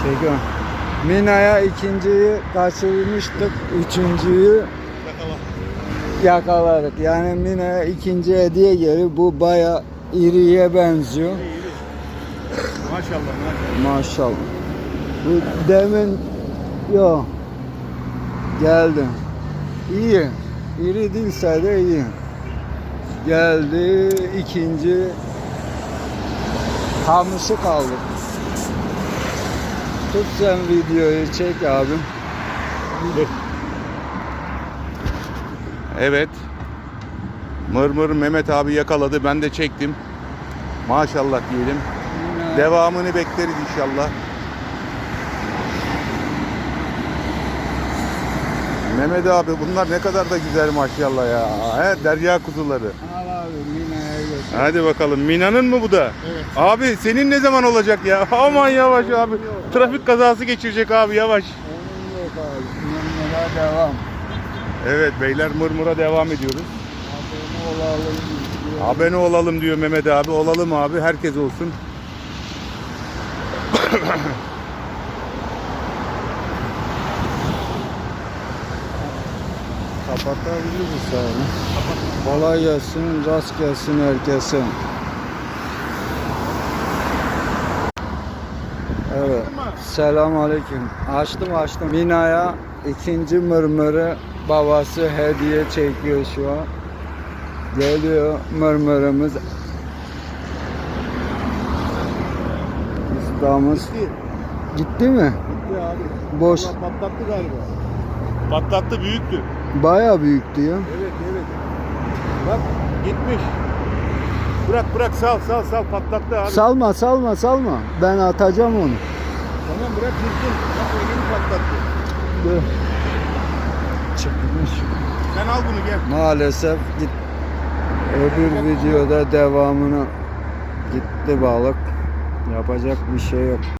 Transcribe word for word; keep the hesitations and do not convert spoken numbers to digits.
Çekiyorum. Mina'ya ikinciyi kaçırmıştık. Üçüncüyü Yakala. yakaladık. Yani Mina'ya ikinci hediye geliyor. Bu baya iriye benziyor. İyi, iyi. Maşallah maşallah. Maşallah. Bu demin yok. Geldi. İyi. İri değilse de iyi. Geldi ikinci kamışı kaldı. Tut sen videoyu çek abim. Evet. Mırmır Mehmet abi yakaladı. Ben de çektim. Maşallah diyelim. Yine Devamını bekleriz inşallah. Mehmet abi bunlar ne kadar da güzel maşallah ya. He, derya kuzuları. al abi Mina'ya götür. Hadi bakalım. Mina'nın mı bu da? Evet. Abi senin ne zaman olacak ya? Aman yavaş abi. Trafik kazası geçirecek abi yavaş. Onun yok abi. Mırmır'a devam. Evet beyler Mırmır'a devam ediyoruz. Abone olalım. diyor. Abone olalım diyor Mehmet abi. Olalım abi. Herkes olsun. Kapatabiliriz abi. Kolay gelsin, rast gelsin herkese. Evet. Selam aleyküm. Açtım açtım. Mina'ya ikinci mırmırı babası hediye çekiyor şu an. Geliyor mırmırımız. İslam'ımız Gitti. gitti mi? Gitti abi. Boş. Allah patlattı galiba. Patlattı büyüktü. Bayağı büyüktü ya. Evet evet. Bak gitmiş. Bırak bırak sal sal sal patlattı abi. Salma salma salma. Ben atacağım onu. Tamam bırak gitsin. Bak o yeni patlattı. Dur. Çıkmış. Sen al bunu gel. Maalesef git. Öbür videoda devamını gitti balık. Yapacak bir şey yok.